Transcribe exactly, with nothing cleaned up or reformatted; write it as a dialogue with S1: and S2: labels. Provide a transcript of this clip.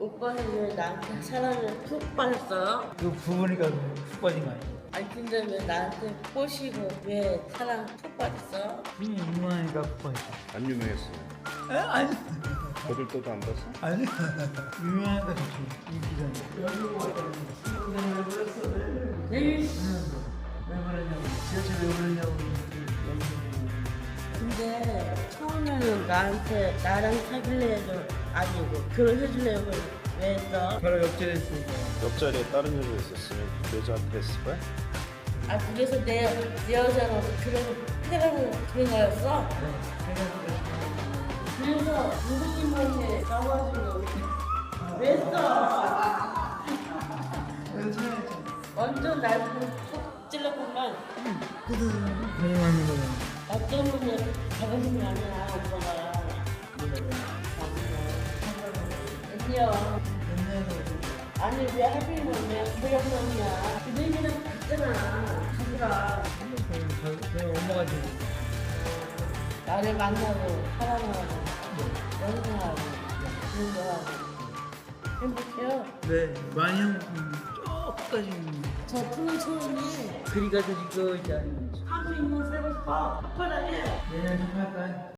S1: 오빠는 왜 나한테 사랑을 푹 빠졌어?
S2: 그 부부니까 푹 빠진 거 아니야?
S1: 아니 근데 왜 나한테 꼬시고 왜 사랑 푹 빠졌어?
S2: 힘이 유명하니까 푹 빠졌어.
S3: 안 유명했어.
S2: 에? 아니.
S3: 거들 떠도 안 봤어?
S2: 아니. 유명하니까 좋지. 인기잖아. 여기 오고 왔다니. 친구들 왜 그랬어? 왜
S1: 에이,
S2: 왜 그러냐고. 지하철 왜 그러냐고.
S1: 근데 처음에는 나한테 나랑 사귈래 해도 아니고 결혼해줄래요 왜 했어?
S2: 바로 옆자리에 있으니까.
S3: 옆자리에 다른 여자 있었으면 그 여자한테 했을 거야?
S1: 아 그래서 내, 내 여자로 그래서 해라고 그런 거였어? 그래서 누구님한테 나와주려고 왜 했어? 완전 날 속 찔렀구만.
S2: 거짓말하는 거잖아.
S1: 나 때문에 작은 게 아니야 오빠가. 아니요. 아니 왜 하필이면 왜 고향놈이야. 그 얘기는 듣잖아. 하지라.
S2: 내가 엄마가 지금
S1: 나를 만나고 사랑하고 연애하고 그런 거 하고 행복해요.
S2: 네 많이 형 조금까지
S1: 저 푸는 소원이
S2: 그리 가서 이거 이제
S1: 하루 입는 살고 싶어. 뻔하게.
S2: 내년 좀 할까요?